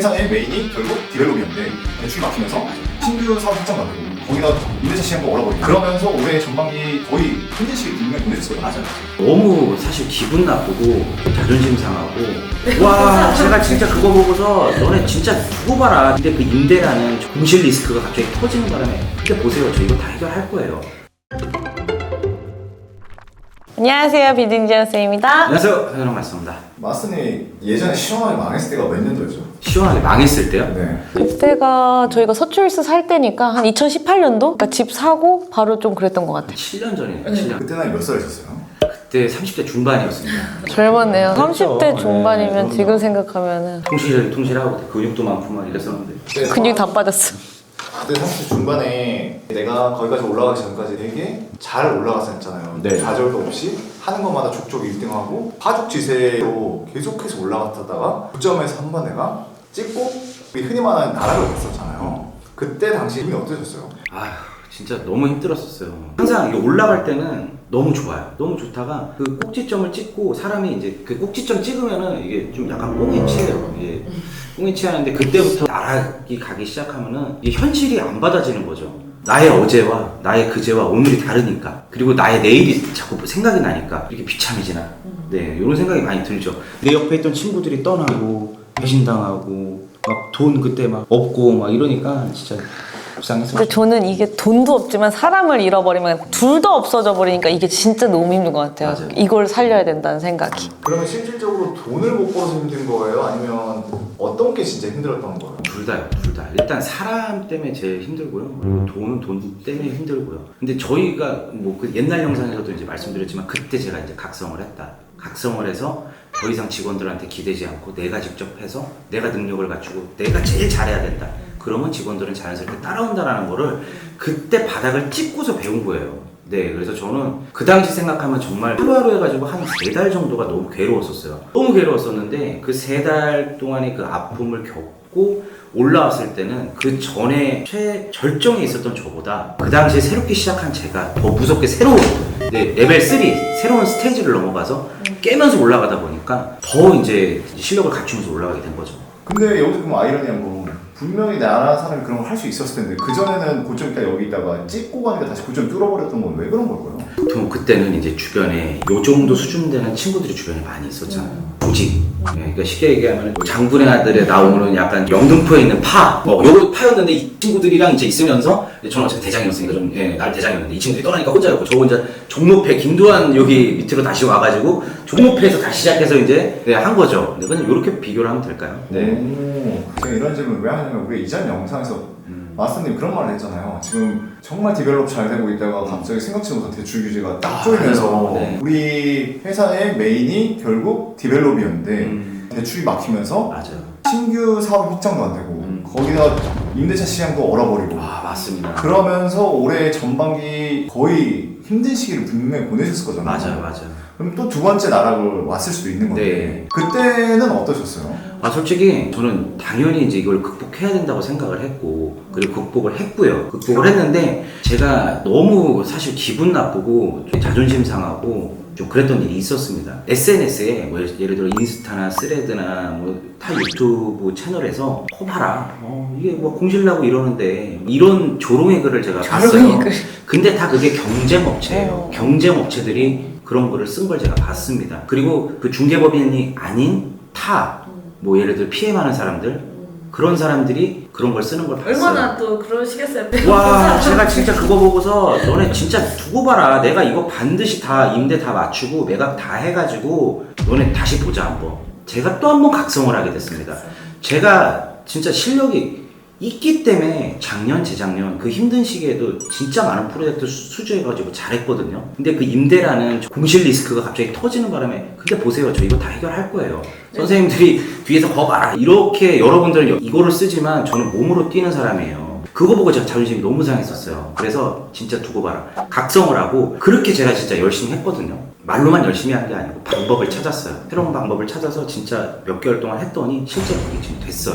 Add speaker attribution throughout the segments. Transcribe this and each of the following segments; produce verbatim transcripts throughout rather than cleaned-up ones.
Speaker 1: 회사의 메인이 결국 디벨롭이었는데 대출이 막히면서 신규 사업 확장도 안 되고 거기다 임대차 시장도 얼어버리고 그러면서 올해 전반기 거의 힘든 시기 분명히 보냈을 거예요.
Speaker 2: 맞아요. 너무 사실 기분 나쁘고 자존심 상하고 와 제가 진짜 그거 보고서 너네 진짜 두고 봐라. 근데 그 임대라는 공실 리스크가 갑자기 터지는 바람에 근데 보세요. 저 이거 다 해결할 거예요.
Speaker 3: 안녕하세요, 비딩지어스입니다.
Speaker 2: 안녕하세요. 현영 맞습니다.
Speaker 1: 마스님 예전에 시원하게 망했을 때가 몇 년도였죠?
Speaker 2: 시원하게 망했을 때요?
Speaker 1: 네.
Speaker 3: 그때가 저희가 서초일스 살 때니까 한 이천십팔 년도? 그러니까 집 사고 바로 좀 그랬던 것 같아요.
Speaker 2: 칠 년 전이니까 칠 년.
Speaker 1: 그때 나이 몇 살이셨어요?
Speaker 2: 그때 삼십 대 중반이었습니다.
Speaker 3: 젊었네요. 삼십 대
Speaker 2: 그렇죠.
Speaker 3: 중반이면
Speaker 2: 네,
Speaker 3: 지금 생각하면은
Speaker 2: 통실 통실하고 근육도 많고 막 이랬었는데.
Speaker 1: 네,
Speaker 3: 근육이 다 빠졌어.
Speaker 1: 그때 삼십 대 중반에 내가 거기까지 올라가기 전까지 되게 잘 올라갔었잖아요.
Speaker 2: 네.
Speaker 1: 좌절도 없이 하는 것마다 족족 일 등하고 파죽지세로 계속해서 올라갔다가 고점에서 한 번 내가 찍고 우리 흔히 말하는 나락을 갔었잖아요. 그때 당시 기분이 어떠셨어요?
Speaker 2: 아휴 진짜 너무 힘들었었어요. 항상 이게 올라갈 때는 너무 좋아요. 너무 좋다가 그 꼭지점을 찍고 사람이 이제 그 꼭지점 찍으면은 이게 좀 약간 뽕이 치해요. 이게 뽕이 치하는데 그때부터 나락이 가기 시작하면은 이게 현실이 안 받아지는 거죠. 나의 어제와 나의 그제와 오늘이 다르니까 그리고 나의 내일이 자꾸 생각이 나니까 이렇게 비참해지나 네 이런 생각이 많이 들죠. 내 옆에 있던 친구들이 떠나고 배신당하고 막 돈 그때 막 없고 막 이러니까 진짜 불쌍했어요.
Speaker 3: 근데 저는 이게 돈도 없지만 사람을 잃어버리면 둘 다 없어져 버리니까 이게 진짜 너무 힘든 것 같아요.
Speaker 2: 맞아요.
Speaker 3: 이걸 살려야 된다는 생각이.
Speaker 1: 그러면 실질적으로 돈을 못 벌어서 힘든 거예요? 아니면 어떤 게 진짜 힘들었던 거예요?
Speaker 2: 둘 다요, 둘 다. 일단 사람 때문에 제일 힘들고요. 그리고 돈은 돈 때문에 힘들고요. 근데 저희가 뭐 그 옛날 영상에서도 이제 말씀드렸지만 그때 제가 이제 각성을 했다. 각성을 해서 더 이상 직원들한테 기대지 않고 내가 직접 해서 내가 능력을 갖추고 내가 제일 잘해야 된다. 그러면 직원들은 자연스럽게 따라온다라는 거를 그때 바닥을 찍고서 배운 거예요. 네, 그래서 저는 그 당시 생각하면 정말 하루하루 해가지고 한 세 달 정도가 너무 괴로웠었어요. 너무 괴로웠었는데 그 세 달 동안의 그 아픔을 겪고 올라왔을 때는 그 전에 최절정에 있었던 저보다 그 당시에 새롭게 시작한 제가 더 무섭게 새로운 네, 레벨 삼 새로운 스테이지를 넘어가서 깨면서 올라가다 보니까 더 이제 실력을 갖추면서 올라가게 된 거죠.
Speaker 1: 근데 여기서 그럼 아이러니한 건 분명히 나라 사람이 그런 걸 할 수 있었을 텐데 그전에는 고점 있다 여기 있다가 찍고 가니까 다시 고점 뚫어버렸던 건 왜 그런 걸까요?
Speaker 2: 보통 그때는 이제 주변에 요 정도 수준 되는 친구들이 주변에 많이 있었잖아요. 조직. 네, 그러니까 쉽게 얘기하면 장군의 아들에 나오는 약간 영등포에 있는 파. 뭐 요거 파였는데 이 친구들이랑 이제 있으면서 저는 어차피 대장이었으니까 좀 예, 날 대장이었는데 이 친구들이 떠나니까 혼자였고 저 혼자 종로패 김두한 여기 밑으로 다시 와가지고 종로패에서 다시 시작해서 이제 네, 한 거죠. 근데 그냥 이렇게 비교를 하면 될까요?
Speaker 1: 네. 오, 제가 이런 질문을 왜 하냐면 우리 이전 영상에서
Speaker 2: 음.
Speaker 1: 마스터님 그런 말을 했잖아요. 지금 정말 디벨롭 잘 되고 있다가 갑자기 생각지 못한 대출 규제가 딱
Speaker 2: 아,
Speaker 1: 조이면서
Speaker 2: 네.
Speaker 1: 우리 회사의 메인이 결국 디벨롭이었는데
Speaker 2: 음.
Speaker 1: 대출이 막히면서
Speaker 2: 맞아요.
Speaker 1: 신규 사업 확장도 안 되고
Speaker 2: 음.
Speaker 1: 거기다 임대차 시장도 얼어버리고
Speaker 2: 아 맞습니다.
Speaker 1: 그러면서 올해 전반기 거의 힘든 시기를 분명히 보내셨을 거잖아요.
Speaker 2: 맞아요, 맞아요.
Speaker 1: 그럼 또 두 번째 나락을 왔을 수도 있는 건데
Speaker 2: 네.
Speaker 1: 그때는 어떠셨어요?
Speaker 2: 아 솔직히 저는 당연히 이제 이걸 극복해야 된다고 생각을 했고 그리고 극복을 했고요. 극복을 했는데 제가 너무 사실 기분 나쁘고 좀 자존심 상하고 좀 그랬던 일이 있었습니다. 에스엔에스에 뭐 예를 들어 인스타나 스레드나 뭐 타 유튜브 채널에서 어 봐라 어, 이게 뭐 공실나고 이러는데 이런 조롱의 글을 제가 봤어요.
Speaker 3: 글.
Speaker 2: 근데 다 그게 경쟁업체예요.
Speaker 3: 어.
Speaker 2: 경쟁업체들이 그런 거를 쓴 걸 제가 봤습니다. 그리고 그 중개법인이 아닌 타 뭐 예를 들어 피해 많은 사람들 그런 사람들이 그런 걸 쓰는 걸 봤어요.
Speaker 4: 얼마나 또 그러시겠어요.
Speaker 2: 와 제가 진짜 그거 보고서 너네 진짜 두고 봐라. 내가 이거 반드시 다 임대 다 맞추고 매각 다 해가지고 너네 다시 보자 한번. 제가 또 한 번 각성을 하게 됐습니다. 제가 진짜 실력이 있기 때문에 작년 재작년 그 힘든 시기에도 진짜 많은 프로젝트 수주해가지고 잘했거든요. 근데 그 임대라는 공실 리스크가 갑자기 터지는 바람에 근데 보세요 저 이거 다 해결할 거예요. 네. 선생님들이 뒤에서 거 봐라 이렇게 여러분들은 이거를 쓰지만 저는 몸으로 뛰는 사람이에요. 그거 보고 제가 자존심이 너무 상했었어요. 그래서 진짜 두고 봐라 각성을 하고 그렇게 제가 진짜 열심히 했거든요. 말로만 열심히 한 게 아니고 방법을 찾았어요. 새로운 방법을 찾아서 진짜 몇 개월 동안 했더니 실제로 그게 지금 됐어요.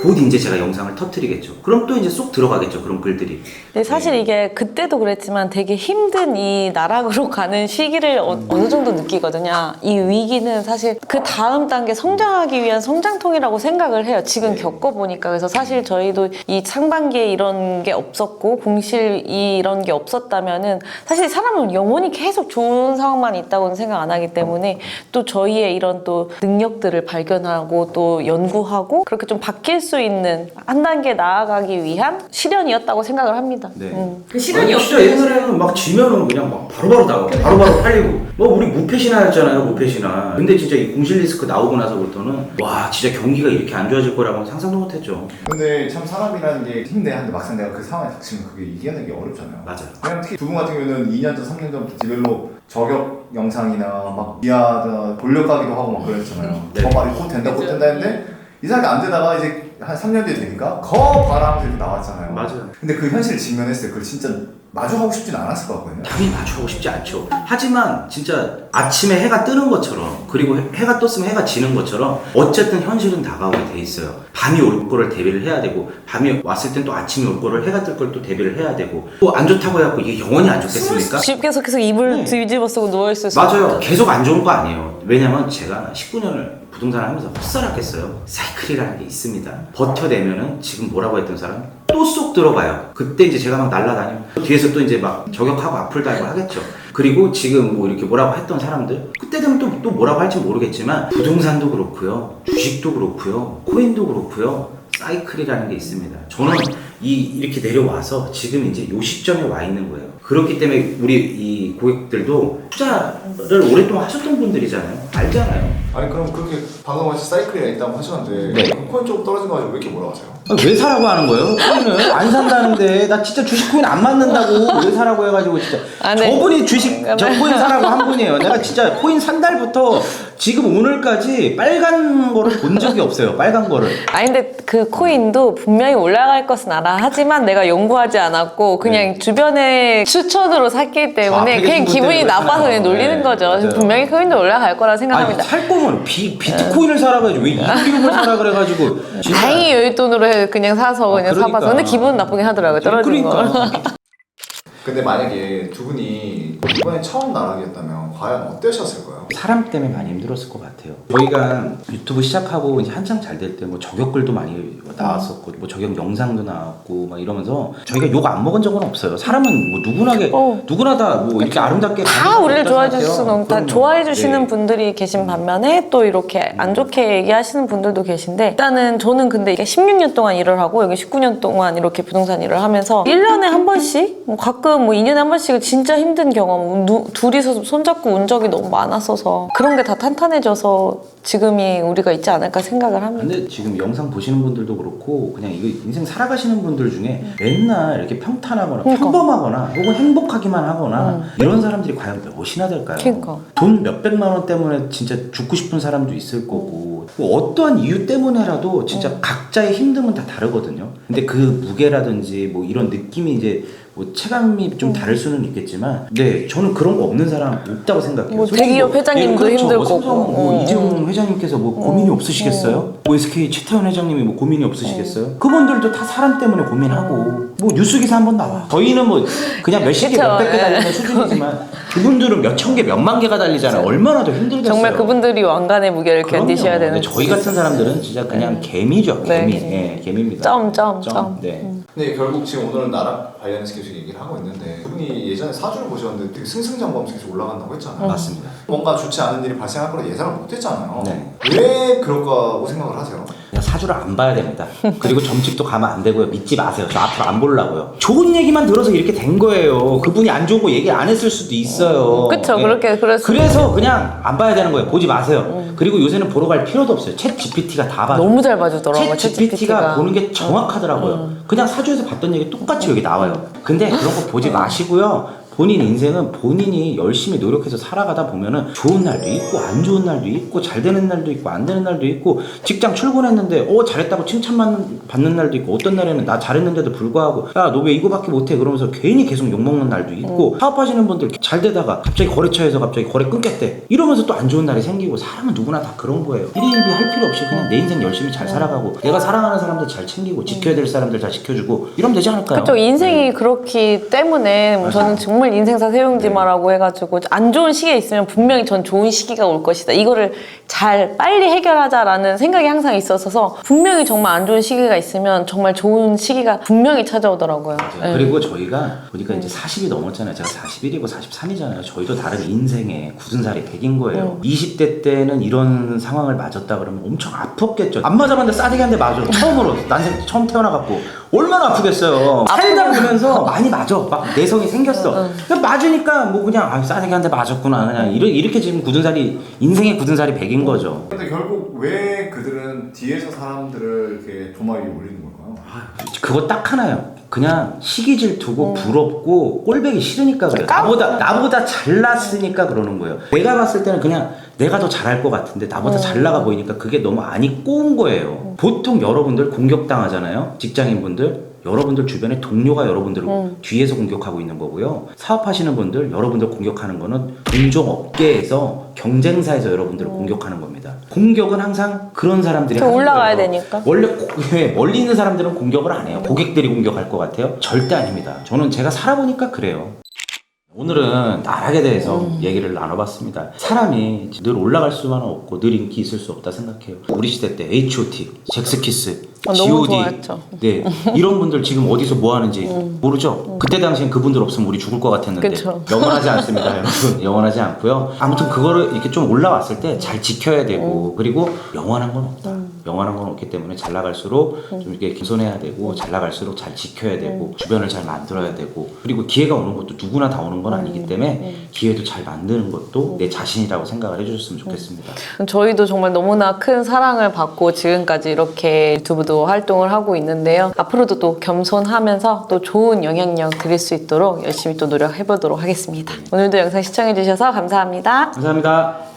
Speaker 2: 곧 이제 제가 영상을 터뜨리겠죠. 그럼 또 이제 쏙 들어가겠죠. 그런 글들이.
Speaker 3: 근데 사실 이게 그때도 그랬지만 되게 힘든 이 나락으로 가는 시기를 어, 어느 정도 느끼거든요. 이 위기는 사실 그 다음 단계 성장하기 위한 성장통이라고 생각을 해요. 지금 겪어보니까. 그래서 사실 저희도 이 상반기에 이런 게 없었고 공실 이런 게 없었다면은 사실 사람은 영원히 계속 좋은 상황만 있다고는 생각 안 하기 때문에 또 저희의 이런 또 능력들을 발견하고 또 연구하고 그렇게 좀 바뀔 수 있는 한 단계 나아가기 위한 시련이었다고 생각을 합니다.
Speaker 2: 네.
Speaker 3: 음.
Speaker 4: 그 시간이
Speaker 2: 아니, 진짜
Speaker 4: 없어요.
Speaker 2: 옛날에는 막 지면은 그냥 막 바로바로 나가고 바로바로 팔리고 뭐 우리 무패신화였잖아요. 무패신화. 근데 진짜 이 공실 리스크 나오고 나서부터는 와 진짜 경기가 이렇게 안 좋아질 거라고는 상상도 못했죠.
Speaker 1: 근데 참 사람이라는 게 힘내 한데 막상 내가 그 상황에 닥치면 그게 이겨내기 어렵잖아요.
Speaker 2: 맞아요.
Speaker 1: 그냥 특히 두 분 같은 경우는 이 년 전, 삼 년 전부터 디벨로 저격 영상이나 막 미아다 돌려가기도 하고 막 그랬잖아요.
Speaker 2: 네.
Speaker 1: 저 말이 곧 된다 곧 된다 했는데 이상하게 안 되다가 이제 한 삼 년 뒤에 되니까 거 봐라 하면서 이렇게 나왔잖아요.
Speaker 2: 맞아요.
Speaker 1: 근데 그 현실을 직면했어요. 그걸 진짜 마주하고 싶진 않았을 것 같거든요.
Speaker 2: 당연히 맞추고 싶지 않죠. 하지만 진짜 아침에 해가 뜨는 것처럼 그리고 해- 해가 떴으면 해가 지는 것처럼 어쨌든 현실은 다가오게 돼 있어요. 밤이 올 거를 대비를 해야 되고 밤이 왔을 땐 또 아침이 올 거를 해가 뜰 걸 또 대비를 해야 되고 또 안 좋다고 해갖고 이게 영원히 안 좋겠습니까?
Speaker 3: 집 계속 계속 이불
Speaker 2: 네.
Speaker 3: 뒤집어 쓰고 누워있을 수
Speaker 2: 맞아요.
Speaker 3: 있다.
Speaker 2: 계속 안 좋은 거 아니에요. 왜냐면 제가 십구 년을 부동산을 하면서 헛살았겠어요. 사이클이라는 게 있습니다. 버텨내면은 지금 뭐라고 했던 사람 또 쏙 들어가요. 그때 이제 제가 막 날아다니면 뒤에서 또 이제 막 저격하고 앞을 달고 하겠죠. 그리고 지금 뭐 이렇게 뭐라고 했던 사람들 그때 되면 또, 또 뭐라고 할지 모르겠지만 부동산도 그렇고요. 주식도 그렇고요. 코인도 그렇고요. 사이클이라는 게 있습니다. 저는 이 이렇게 내려와서 지금 이제 요 시점에 와 있는 거예요. 그렇기 때문에 우리 이 고객들도 투자를 오랫동안 하셨던 분들이잖아요. 알잖아요.
Speaker 1: 아니 그럼 그렇게 방금 같이 사이클이 있다고 하셨는데
Speaker 2: 네.
Speaker 1: 그 코인 좀 떨어진 거 가지고 왜 이렇게 뭐라 하세요?
Speaker 2: 아, 왜 사라고 하는 거예요? 코인을 안 산다는데 나 진짜 주식 코인 안 맞는다고 왜 사라고 해가지고 진짜
Speaker 3: 아, 네.
Speaker 2: 저분이 주식 저 코인 사라고 한 분이에요. 내가 진짜 코인 산 달부터 지금 오늘까지 빨간 거를 본 적이 없어요. 빨간 거를.
Speaker 3: 아니 근데 그 코인도 분명히 올라갈 것은 알아. 하지만 내가 연구하지 않았고 그냥 주변의 추천으로 샀기 때문에
Speaker 2: 아,
Speaker 3: 그냥 기분이
Speaker 2: 때문에
Speaker 3: 나빠서 그냥
Speaker 2: 그렇잖아요.
Speaker 3: 놀리는
Speaker 2: 네,
Speaker 3: 거죠.
Speaker 2: 맞아요.
Speaker 3: 분명히 코인도 올라갈 거라 생각합니다.
Speaker 2: 아니 살 거면 비, 비트코인을 사라고 해야지 왜 이티에프를 사라 그래가지고 진짜.
Speaker 3: 다행히 여윳돈으로 해 그냥 사서
Speaker 2: 아,
Speaker 3: 그냥
Speaker 2: 그러니까.
Speaker 3: 사봐서. 근데 기분 나쁘긴 하더라고요. 떨어진 거.
Speaker 2: 그러니까.
Speaker 1: 근데 만약에 두 분이 이번에 처음 나락이었다면 과연 어떠셨을까요?
Speaker 2: 사람 때문에 많이 힘들었을 것 같아요. 저희가 유튜브 시작하고 이제 한창 잘 될 때 뭐 저격글도 많이 나왔었고 뭐 저격 영상도 나왔고 막 이러면서 저희가 욕 안 먹은 적은 없어요. 사람은 뭐 누구나 게
Speaker 3: 어.
Speaker 2: 누구나 다 뭐 이렇게 아름답게
Speaker 3: 다
Speaker 2: 가는
Speaker 3: 우리를
Speaker 2: 건
Speaker 3: 좋아해
Speaker 2: 없다고
Speaker 3: 주실 수는
Speaker 2: 생각해요.
Speaker 3: 없- 다
Speaker 2: 그럼요.
Speaker 3: 좋아해 주시는
Speaker 2: 네.
Speaker 3: 분들이 계신 반면에 또 이렇게 안 좋게 얘기하시는 분들도 계신데 일단은 저는 근데 이게 십육 년 동안 일을 하고 여기 십구 년 동안 이렇게 부동산 일을 하면서 일 년에 한 번씩 뭐 가끔 뭐 이 년에 한 번씩은 진짜 힘든 경험 누, 둘이서 손잡고 운 적이 너무 많았어서 그런 게 다 탄탄해져서 지금이 우리가 있지 않을까 생각을 합니다.
Speaker 2: 근데 지금 영상 보시는 분들도 그렇고 그냥 이거 인생 살아가시는 분들 중에 맨날 이렇게 평탄하거나
Speaker 3: 그러니까.
Speaker 2: 평범하거나 혹은 행복하기만 하거나 이런 사람들이 과연 몇이나 될까요?
Speaker 3: 그러니까.
Speaker 2: 돈 몇백만 원 때문에 진짜 죽고 싶은 사람도 있을 거고 뭐 어떠한 이유 때문에라도 진짜 각자의 힘듦은 다 다르거든요. 근데 그 무게라든지 뭐 이런 느낌이 이제 뭐 체감이 좀 다를 수는 있겠지만 네 저는 그런 거 없는 사람 없다고 생각해요.
Speaker 3: 뭐
Speaker 2: 솔직히
Speaker 3: 대기업 회장님도
Speaker 2: 그렇죠.
Speaker 3: 힘들
Speaker 2: 뭐 삼성
Speaker 3: 거고.
Speaker 2: 뭐
Speaker 3: 어,
Speaker 2: 이재용 회장님께서 뭐 고민이 없으시겠어요? 뭐 에스케이 최태원 회장님이 뭐 고민이 없으시겠어요? 그분들도 다 사람 때문에 고민하고 뭐 뉴스 기사 한번 나와. 저희는 뭐 그냥 몇십 개,
Speaker 3: 그쵸.
Speaker 2: 몇백 개
Speaker 3: 예.
Speaker 2: 달리는 수준이지만 그분들은 몇 천 개, 몇만 개가 달리잖아요. 얼마나 더 힘들겠어요.
Speaker 3: 정말 그분들이 왕관의 무게를
Speaker 2: 그럼요.
Speaker 3: 견디셔야 되는
Speaker 2: 근데 저희 같은 사람들은 진짜 그냥 개미죠.
Speaker 3: 네.
Speaker 2: 개미. 예, 개미입니다.
Speaker 3: 점, 점, 점.
Speaker 2: 네.
Speaker 1: 근데 결국 지금 오늘은 나락 관련해서 계속 얘기를 하고 있는데 그분이 예전에 사주를 보셨는데 되게 승승장구하면서 계속 올라간다고 했잖아요.
Speaker 2: 맞습니다.
Speaker 1: 뭔가 좋지 않은 일이 발생할 거라 예상을 못했잖아요.
Speaker 2: 네.
Speaker 1: 왜 그럴까고 생각을 하세요?
Speaker 2: 그냥 사주를 안 봐야 됩니다. 그리고 점집도 가면 안 되고요. 믿지 마세요. 저 앞으로 안 보려고요. 좋은 얘기만 들어서 이렇게 된 거예요. 그분이 안 좋은 거 얘기 안 했을 수도 있어요.
Speaker 3: 그쵸,
Speaker 2: 예.
Speaker 3: 그렇게, 그래서.
Speaker 2: 그래서 그냥 안 봐야 되는 거예요. 보지 마세요. 그리고 요새는 보러 갈 필요도 없어요. 챗 지피티가 다 봐줘.
Speaker 3: 너무 잘 봐주더라고요.
Speaker 2: 챗 지피티가 보는 게 정확하더라고요. 그냥 사주에서 봤던 얘기 똑같이 여기 나와요. 근데 그런 거 보지 마시고요. 본인 인생은 본인이 열심히 노력해서 살아가다 보면은 좋은 날도 있고 안 좋은 날도 있고 잘 되는 날도 있고 안 되는 날도 있고 직장 출근했는데 어 잘했다고 칭찬받는 받는 날도 있고 어떤 날에는 나 잘했는데도 불구하고 야 너 왜 이거밖에 못해 그러면서 괜히 계속 욕먹는 날도 있고
Speaker 3: 음.
Speaker 2: 사업하시는 분들 잘 되다가 갑자기 거래처에서 갑자기 거래 끊겼대 이러면서 또 안 좋은 날이 생기고 사람은 누구나 다 그런 거예요. 일희일비 할 필요 없이 그냥 내 인생 열심히 잘 살아가고 내가 사랑하는 사람들 잘 챙기고 지켜야 될 사람들 잘 지켜주고 이러면 되지 않을까요?
Speaker 3: 그렇죠. 인생이 그렇기 때문에
Speaker 2: 맞아요.
Speaker 3: 저는 정말 인생사 세용지마라고 해가지고 안 좋은 시기에 있으면 분명히 전 좋은 시기가 올 것이다. 이거를 잘 빨리 해결하자라는 생각이 항상 있었어서 분명히 정말 안 좋은 시기가 있으면 정말 좋은 시기가 분명히 찾아오더라고요. 네.
Speaker 2: 그리고 저희가 보니까 이제 사십이 넘었잖아요. 제가 사십일이고 사십삼이잖아요. 저희도 다른 인생에 굳은 살이 백인 거예요. 이십 대 때는 이런 상황을 맞았다 그러면 엄청 아팠겠죠. 안 맞아봤는데 싸대기 한 대 맞아. 처음으로 난생 처음 태어나갖고 얼마나 아프겠어요. 살다 보면서 많이 맞아. 막 내성이 생겼어. 그냥 맞으니까 뭐 그냥 아, 싸대기 한 대 맞았구나. 그냥 이렇게, 이렇게 지금 굳은 살이 인생의 굳은 살이 백인 거죠.
Speaker 1: 근데 결국 왜 그들은 뒤에서 사람들을 이렇게 도마 위에 올리는 걸까요?
Speaker 2: 그거 딱 하나요. 그냥 시기 질투고 부럽고 꼴배기 싫으니까 그래요. 나보다 나보다 잘났으니까 그러는 거예요. 내가 봤을 때는 그냥 내가 더 잘할 것 같은데 나보다 잘 나가 보이니까 그게 너무 안이 꼬운 거예요. 보통 여러분들 공격당하잖아요. 직장인분들. 여러분들 주변에 동료가 여러분들을
Speaker 3: 음.
Speaker 2: 뒤에서 공격하고 있는 거고요. 사업하시는 분들 여러분들 공격하는 거는 동종업계에서 경쟁사에서 여러분들을 공격하는 겁니다. 공격은 항상 그런 사람들이 하는
Speaker 3: 올라가야
Speaker 2: 거예요.
Speaker 3: 되니까.
Speaker 2: 원래 고, 왜 멀리 있는 사람들은 공격을 안 해요. 고객들이 공격할 것 같아요? 절대 아닙니다. 저는 제가 살아보니까 그래요. 오늘은 나락에 대해서
Speaker 3: 음.
Speaker 2: 얘기를 나눠봤습니다. 사람이 늘 올라갈 수만은 없고 늘 인기 있을 수 없다 생각해요. 우리 시대 때 에이치 오 티, 잭스키스,
Speaker 3: 어,
Speaker 2: 지
Speaker 3: 너무
Speaker 2: 오 디
Speaker 3: 좋아했죠.
Speaker 2: 네, 이런 분들 지금 어디서 뭐 하는지 모르죠? 그때 당시엔 그분들 없으면 우리 죽을 것 같았는데
Speaker 3: 그쵸.
Speaker 2: 영원하지 않습니다. 여러분 영원하지 않고요. 아무튼 그거를 이렇게 좀 올라왔을 때 잘 지켜야 되고 그리고 영원한 건 없다. 영원한 건 없기 때문에 잘 나갈수록 좀 이렇게 겸손해야 되고 잘 나갈수록 잘 지켜야 되고 주변을 잘 만들어야 되고 그리고 기회가 오는 것도 누구나 다 오는 건 아니기 때문에 기회도 잘 만드는 것도 내 자신이라고 생각을 해주셨으면 좋겠습니다.
Speaker 3: 저희도 정말 너무나 큰 사랑을 받고 지금까지 이렇게 유튜브도 활동을 하고 있는데요. 앞으로도 또 겸손하면서 또 좋은 영향력 드릴 수 있도록 열심히 또 노력해보도록 하겠습니다. 오늘도 영상 시청해주셔서 감사합니다.
Speaker 2: 감사합니다.